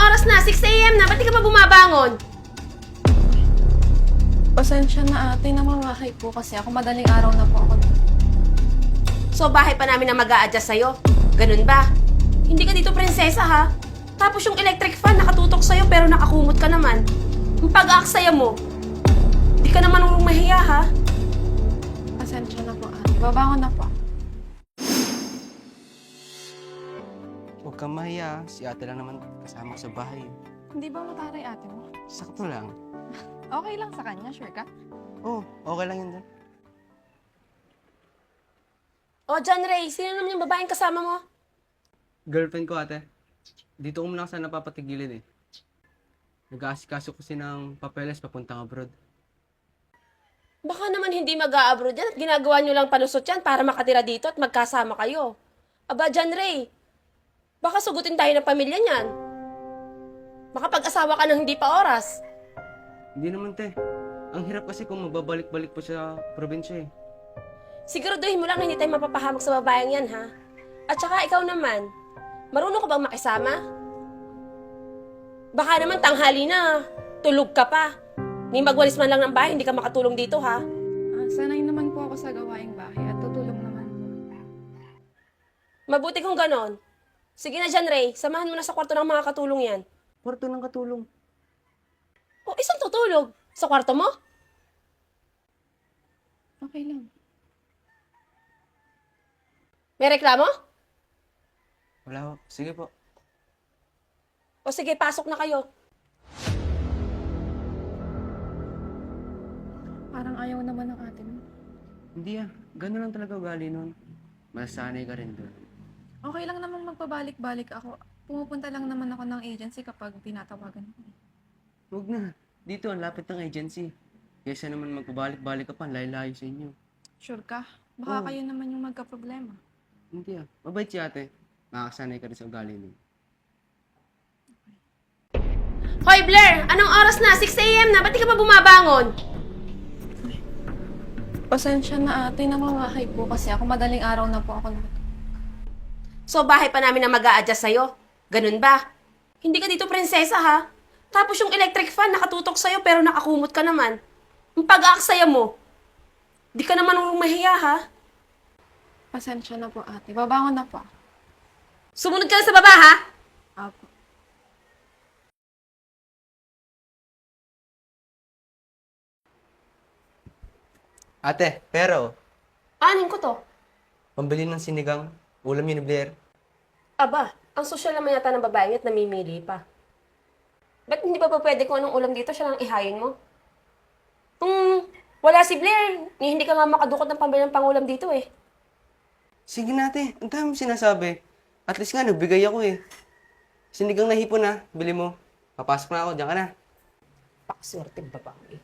oras na? 6 a.m. na. Ba't di ka pa bumabangon? Pasensya na ate, namamahay po kasi ako. Madaling araw na po ako. So, bahay pa namin na mag-a-adjust sa'yo. Ganun ba? Hindi ka dito prinsesa, ha? Tapos yung electric fan nakatutok sa'yo pero nakakumot ka naman. Yung pag-aaksaya mo, di ka naman mahiya, ha? Pasensya na po ate. Babangon na po. Huwag kang mahiya. Si ate lang naman kasama sa bahay. Hindi ba mataray ate mo? Sakto lang. Okay lang sa kanya, sure ka? Oo, okay lang yun doon. O, John Ray, sino naman yung babaeng kasama mo? Girlfriend ko ate. Dito ko muna kasi napapatigilin eh. Nag-aasikaso kasi ng papeles papuntang abroad. Baka naman hindi mag-a-abroad yan at ginagawa nyo lang palusot yan para makatira dito at magkasama kayo. Aba, John Ray, baka sugutin tayo ng pamilya niyan. Makapag-asawa ka ng hindi pa oras. Hindi naman te. Ang hirap kasi kung magbabalik-balik pa sa probinsya eh. Siguraduhin mo lang na hindi tayo mapapahamak sa babayang yan, ha? At saka ikaw naman, marunong ka bang makisama? Baka naman tanghali na, tulog ka pa. Ni magwalis man lang ng bahay, hindi ka makatulong dito, ha? Sanay naman po ako sa gawaing bahay at tutulong naman po. Mabuti kung ganon. Sige na John Ray, samahan mo na sa kwarto ng mga katulong yan. Kwarto ng katulong. O, isang tutulog? Sa kwarto mo? Okay lang. May reklamo? Wala ho. Sige po. O sige, pasok na kayo. Parang ayaw naman ng ate mo. Hindi ah. Ganun lang talaga ugali nun. Masanay ka rin doon. Okay lang namang magpabalik-balik ako. Pumupunta lang naman ako ng agency kapag tinatawagan ko. Huwag na. Dito ang lapit ng agency. Kaysa naman magpabalik-balik ka pa, layo-layo sa inyo. Sure ka? Baka Oo. kayo naman yung magka-problema. Hindi ah. Mabait si ate. Makakasanay ka rin sa ugali nun. Hoy Blair, anong oras na? 6 a.m. na. Ba't di ka pa bumabangon? Pasensya na ate, namamahay po kasi ako. Madaling araw na po ako. So, bahay pa namin na mag-a-adjust sa'yo. Ganun ba? Hindi ka dito prinsesa, ha? Tapos yung electric fan nakatutok sa'yo pero nakakumot ka naman. Yung pag-aaksaya mo, di ka naman mahiya, ha? Pasensya na po ate. Babangon na po. Sumunod ka na sa baba, ha? Apo. Ate, pero, Anin ko to? pambili ng sinigang, ulam yun ni Blair. Aba, ang sosyal naman yata ng babaeng at namimili pa. Ba't hindi pa pwede kung anong ulam dito siya lang ihayin mo? Kung wala si Blair, hindi ka nga makadukot ng pambili ng pangulam dito eh. Sige na ate, ang dami sinasabi. At least nga, nagbigay ako eh. Sinigang na hipon na, bili mo. Papasok na ako, diyan ka na. Pakaswerteng babae.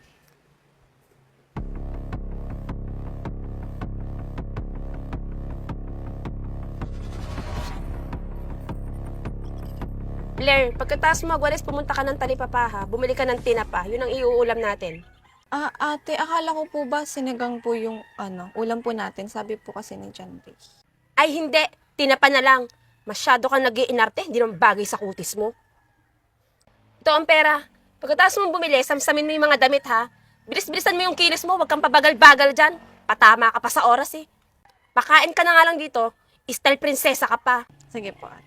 Blair, pagkatapos mo magwalis, pumunta ka ng talipapa ha. Bumili ka ng tinapa. Yun ang iuulam natin. Ate, akala ko po ba sinigang po yung ulam po natin? Sabi po kasi ni John Ray. Ay hindi, tinapa na lang. Masyado kang nag-iinarte, hindi naman bagay sa kutis mo. Ito ang pera. Pagkatapos mo bumili, samsamin mo yung mga damit ha. Bilis-bilisan mo yung kilos mo, huwag kang pabagal-bagal dyan. Patama ka pa sa oras eh. Pakain ka na nga lang dito, style prinsesa ka pa. Sige po ate.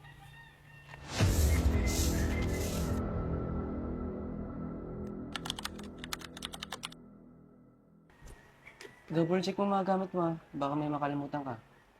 Double check mo mga gamit mo ah. Baka may makalimutan ka.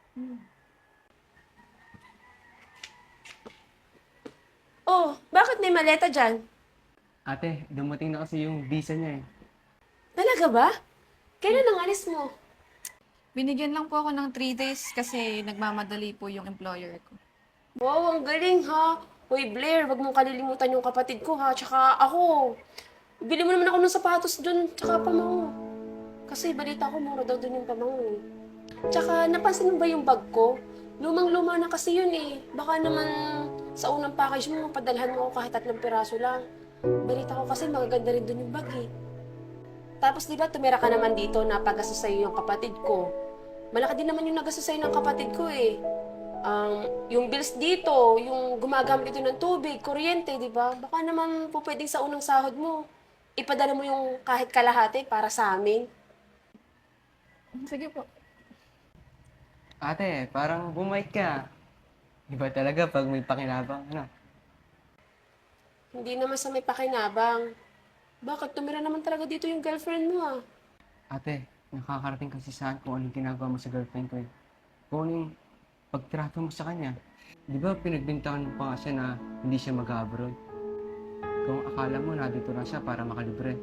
Oh, bakit may maleta dyan? Ate, dumating na kasi yung visa niya eh. Talaga ba? Kailan ang alis mo? Binigyan lang po ako ng 3 days kasi nagmamadali po yung employer ko. Wow, ang galing ha. Hoy Blair, wag mong kalilimutan yung kapatid ko ha. Tsaka ako. Bili mo naman ako ng sapatos dun, tsaka pamango. Kasi balita ko mura daw dun yung pamango eh. Tsaka napansin mo ba yung bag ko? Lumang-luma na kasi yun eh. Baka naman sa unang package mo, padalhan mo ako kahit 3 piraso lang. Balita ko kasi magaganda rin dun yung bag eh. Tapos di ba tumira ka naman dito na pag-gastos sa'yo yung kapatid ko. Malaki din naman yung nagastos sa'yo ng kapatid ko eh. Yung bills dito, yung gumagamit ito ng tubig, kuryente, di ba? Baka naman po pwedeng sa unang sahod mo, ipadala mo yung kahit kalahati para sa amin. Sige po. Ate, parang bumait ka. Iba talaga pag may pakinabang, ano? Hindi naman sa may pakinabang. Bakit? Tumira naman talaga dito yung girlfriend mo ah. Ate, nakakarating kasi saan kung anong ginagawa mo sa girlfriend ko eh. Kung anong pagtrato mo sa kanya. Di ba pinagbintangan mo pa nga siya na hindi siya mag-abroad? Kung akala mo nandito lang siya para makalibre.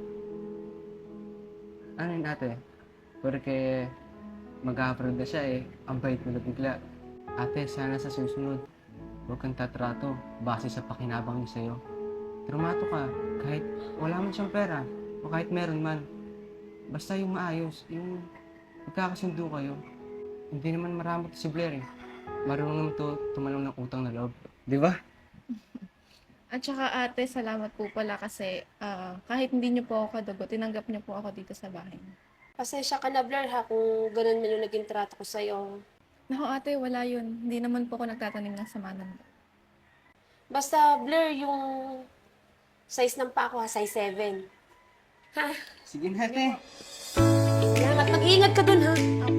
Ano yun ate? Porque mag-abroad na siya eh, ang bait mo na bigla. Ate, sana sa susunod, huwag kang tatrato base sa pakinabang niya sa'yo. Trumato ka, kahit wala man siyang pera, o kahit meron man. Basta yung maayos, yung magkakasundo kayo. Hindi naman marami to si Blair eh. Marunong naman to tumalong ng utang na loob. Di ba? At saka ate, salamat po pala kasi kahit hindi niyo po ako kadugo, tinanggap niyo po ako dito sa bahay niyo. Pasensya ka na, Blair, ha, kung ganun man yung naging trato ko sa'yo. Naku ate, wala yun. Hindi naman po ako nagtatanim ng sama ng loob. Basta, Blair, yung size ng paa ko, ha, size 7. Ha? Sige na ate. Salamat. Mag-iingat ka dun, ha?